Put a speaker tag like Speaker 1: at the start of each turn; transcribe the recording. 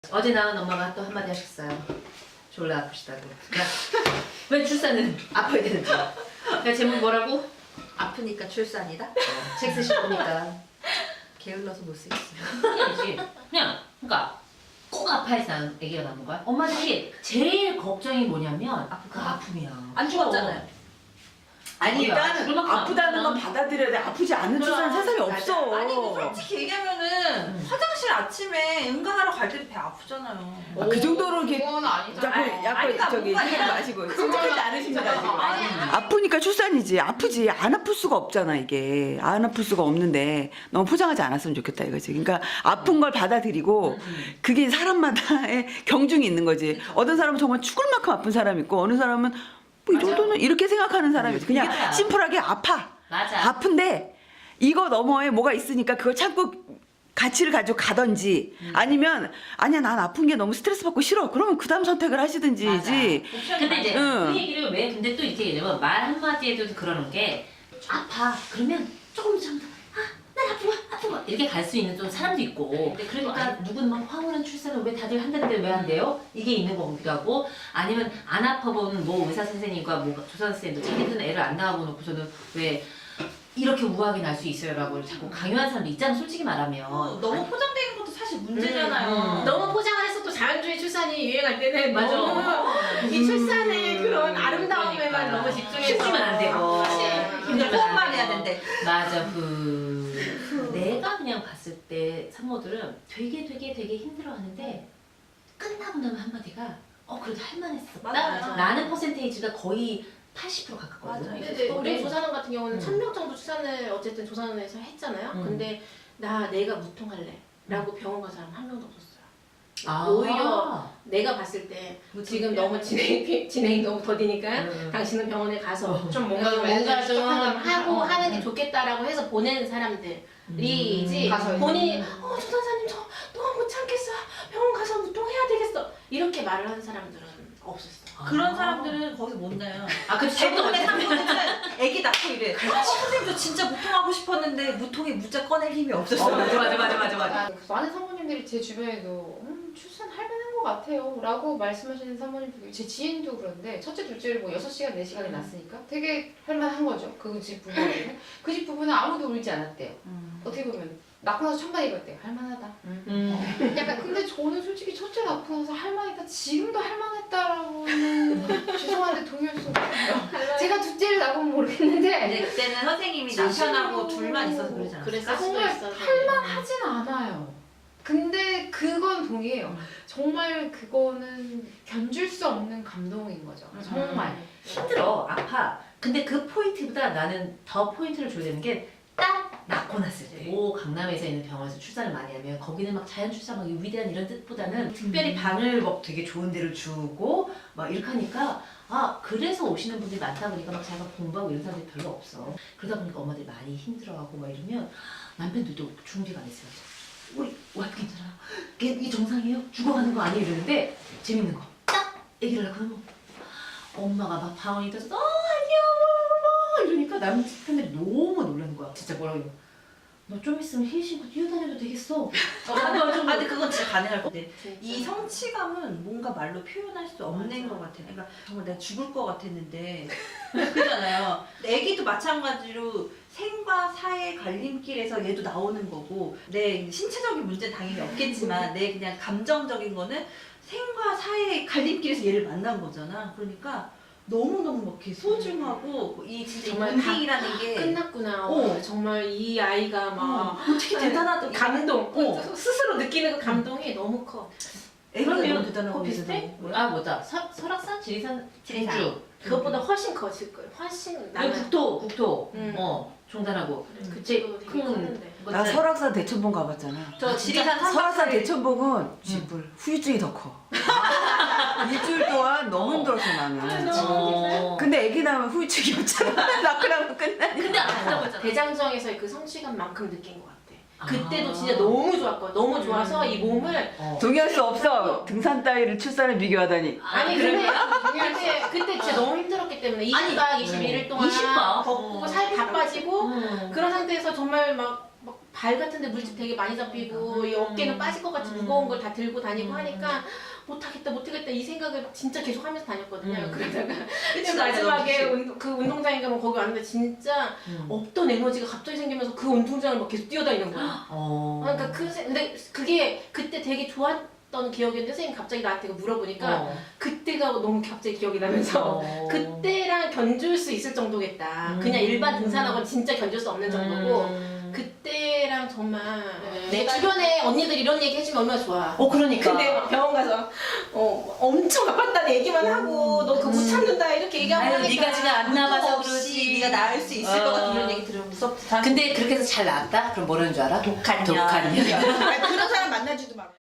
Speaker 1: 어제 나온 엄마가 또 한마디 하셨어요. 졸라 아프시다고. 그러니까 왜 출산은 아파야 되는지. 그러니까 제목 뭐라고?
Speaker 2: 아프니까 출산이다?
Speaker 1: 책 쓰실 거니까 게을러서 못 쓰겠어요. 아니지. 그냥 그러니까 꼭 아파야지 난 아기가 낳는 거야. 엄마들이 제일 걱정이 뭐냐면 그 아픔이야.
Speaker 2: 안 죽었잖아요.
Speaker 3: 아니
Speaker 1: 뭐야,
Speaker 3: 일단은
Speaker 1: 그만큼
Speaker 3: 아프다는 건 받아들여야 돼. 아프지 않은 출산 세상에 없어.
Speaker 2: 아니 솔직히 얘기하면은 화장실 아침에 응가하러 갈 때도 배 아프잖아요.
Speaker 3: 아, 그 정도로 이렇게
Speaker 4: 그건 아니죠.
Speaker 3: 자꾸 저기
Speaker 2: 뭔가
Speaker 3: 하지 마시고 솔직하지 않으십니다 지금.
Speaker 2: 아니,
Speaker 3: 아프니까 출산이지. 아프지 안 아플 수가 없잖아 이게. 안 아플 수가 없는데 너무 포장하지 않았으면 좋겠다 이거지. 그러니까 아픈 걸 받아들이고 그게 사람마다의 경중이 있는 거지. 어떤 사람은 정말 죽을 만큼 아픈 사람이 있고 어느 사람은 뭐 이 정도는 이렇게 생각하는 사람이 있지.
Speaker 1: 이게
Speaker 3: 그냥
Speaker 1: 뭐야.
Speaker 3: 심플하게 아파.
Speaker 1: 맞아.
Speaker 3: 아픈데 이거 너머에 뭐가 있으니까 그걸 참고 가치를 가지고 가든지 아니면 아니야 난 아픈 게 너무 스트레스 받고 싫어 그러면 그 다음 선택을 하시든지지.
Speaker 1: 근데 이제
Speaker 3: 응.
Speaker 1: 그 얘기를 왜 근데 또 이렇게 얘기하면 말 한마디에도 그러는 게 아파 그러면 조금 참다 난 아프고 이렇게 갈 수 있는 좀 사람도 있고 그러니까 누군 막 황홀한 출산을 왜 다들 한다는데 왜 안 돼요? 이게 있는 거기도 하고 아니면 안 아파본 뭐 의사 선생님과 뭐 조산 선생님도 자기들은 애를 안 낳아보 놓고서는 왜 이렇게 우아하게 날 수 있어요라고 자꾸 강요하는 사람도 있잖아 솔직히 말하면.
Speaker 2: 너무 포장되는 것도 사실 문제잖아요.
Speaker 4: 너무 포장을 해서 또 자연주의 출산이 유행할 때는
Speaker 1: 맞아.
Speaker 4: 너무 이 출산의 그런 아름다움에만
Speaker 1: 그러니까.
Speaker 4: 너무 집중해서
Speaker 1: 힘주면 안 되고.
Speaker 2: 근데 호흡만 해야 된대.
Speaker 1: 맞아 내가 그냥 봤을 때 산모들은 되게 힘들어하는데 끝나고 나면 한마디가 그래도 할만했었다
Speaker 2: 맞아요.
Speaker 1: 라는 퍼센테이지가 거의 80% 가깝거든요.
Speaker 2: 맞아요.
Speaker 4: 근데 이제 우리 조산원 같은 경우는 1000명 정도 출산을 어쨌든 조산원에서 했잖아요. 근데 내가 무통할래 라고 병원 간 사람 한 명도 없었어요. 오히려 내가 봤을 때 지금 너무 진행이 너무 더디니까 당신은 병원에 가서 좀 뭔가 좀 하고 하는 게 좋겠다라고 해서 보내는 사람들이지
Speaker 1: 가서
Speaker 4: 본인이 조산사님 저 너무 못 참겠어 병원 가서 무통해야 되겠어 이렇게 말을 하는 사람들은 없었어.
Speaker 2: 그런 사람들은 거기서 못 나요.
Speaker 1: 그치
Speaker 2: 대부분의 산모들은 애기 낳고 이래. 선생님도 진짜 무통하고 싶었는데 무통에 무자 꺼낼 힘이 없었어요.
Speaker 1: 맞아.
Speaker 5: 많은 사모님들이 제 주변에도 출산 할 만한 것 같아요 라고 말씀하시는 사모님들 제 지인도 그런데 첫째 둘째를 뭐 6시간 4시간에 낳았으니까 되게 할 만한 거죠 그 집 부부는. 그 집 부부는 아무도 울지 않았대요. 어떻게 보면 낳고 나서 천만 입었대요. 할 만하다. 약간 근데 저는 솔직히 첫째 낳고 나서 할 만했다 지금도 할 만했다라고는 죄송한데 동의할 수 없어요. 제가 둘째를 낳으면 모르겠는데
Speaker 2: 근데 그때는 선생님이 남편하고 둘만 있어서 그러지 않았어요?
Speaker 4: 그랬을 수도
Speaker 5: 정말
Speaker 4: 있어.
Speaker 5: 할만하진 않아요. 근데 그건 동의해요. 정말 그거는 견줄 수 없는 감동인 거죠. 정말.
Speaker 1: 힘들어 아파 근데 그 포인트보다 나는 더 포인트를 줘야 되는 게 딱 낳고 났을 때 오 강남에서 있는 병원에서 출산을 많이 하면 거기는 막 자연 출산 막 위대한 이런 뜻보다는 특별히 방을 막 되게 좋은 데를 주고 막 이렇게 하니까 그래서 오시는 분들이 많다 보니까 막 자기가 공부하고 이런 사람들이 별로 없어. 그러다 보니까 엄마들이 많이 힘들어하고 막 이러면 남편들도 준비가 안 했어요. 우리 와이프 괜찮아요? 이게 정상이에요? 죽어가는 거 아니에요? 이러는데 재밌는 거 딱 얘기를 하고 그러면 엄마가 막 방언이 떠서 아니야 이러니까 남편들이 너무 놀라는 거야. 진짜 뭐라고 너 좀 있으면 힐 신고 뛰어다녀도 되겠어.
Speaker 2: 근데 그건 진짜 가능할 것 같아. 이 성취감은 뭔가 말로 표현할 수 없는 것 같아. 그러니까 정말 내가 죽을 것 같았는데 그러잖아요. 애기도 마찬가지로 생과 사의 갈림길에서 얘도 나오는 거고 내 신체적인 문제는 당연히 없겠지만 내 그냥 감정적인 거는 생과 사의 갈림길에서 얘를 만난 거잖아. 그러니까 너무너무 막 이렇게 소중하고 이 진짜
Speaker 4: 정말
Speaker 2: 인생이라는 게
Speaker 4: 끝났구나. 정말 이 아이가 막
Speaker 2: 어떻게 대단하다.
Speaker 4: 감동. 스스로 느끼는 그 감동이 너무 커.
Speaker 2: 애가 너무
Speaker 1: 그러면
Speaker 2: 대단하고
Speaker 1: 그거 비슷해? 뭐다 설악산? 지리산? 지리산
Speaker 4: 그것보다 훨씬 커질 거예요. 훨씬 나는
Speaker 1: 국토 종단하고
Speaker 4: 그치
Speaker 1: 큰
Speaker 4: 되게 컸는데.
Speaker 3: 나 설악산 대천봉 가봤잖아.
Speaker 2: 저 지리산
Speaker 3: 설악산 대천봉은 쥐뿔 후유증이 더 커. 일주일 동안 너무 힘들었어 나는. 근데 애기 낳으면 후유증이 없잖아. 낳고 나면 끝나니까.
Speaker 1: 근데 아프다고 했잖아.
Speaker 4: 대장정에서의 그 성취감만큼 느낀 것 같아. 그때도 진짜 너무 좋았고 너무 좋아서 이 몸을
Speaker 3: 동의할 수 없어. 등산 따위를 출산에 비교하다니.
Speaker 4: 아니 그때 진짜 너무 힘들었기 때문에 20박 21일 동안
Speaker 1: 20박?
Speaker 4: 걷고 살 다 빠지고 그런 상태에서 정말 막 발 같은데 물집 되게 많이 잡히고 이 어깨는 빠질 것 같이 무거운 걸 다 들고 다니고 하니까 못하겠다 이 생각을 진짜 계속 하면서 다녔거든요. 그러다가 근데 마지막에 그 운동장에 가면 거기 왔는데 진짜 없던 에너지가 갑자기 생기면서 그 운동장을 막 계속 뛰어다니는 거야. 그러니까 근데 그게 그때 되게 좋았던 기억이었는데 선생님 갑자기 나한테 물어보니까 그때가 너무 갑자기 기억이 나면서 그때랑 견줄 수 있을 정도겠다. 그냥 일반 등산하고는 진짜 견줄 수 없는 정도고 그때랑 정말 내 주변에 언니들 이런 얘기 해주면 얼마나 좋아.
Speaker 1: 그러니까.
Speaker 4: 근데 막 병원 가서 엄청 아팠다는 얘기만 하고 너 그거 못 참는다 이렇게 얘기하고
Speaker 1: 아유,
Speaker 4: 하니까
Speaker 1: 네가 지금 안 나가서
Speaker 2: 없이
Speaker 1: 그렇지.
Speaker 2: 네가 나을 수 있을 것 같은 이런 얘기 들으면 무섭다.
Speaker 1: 근데 그렇게 해서 잘 나았다? 그럼 뭐라는 줄 알아?
Speaker 2: 독한 년.
Speaker 1: 독한 년.
Speaker 2: 그런 사람 만나지도 마.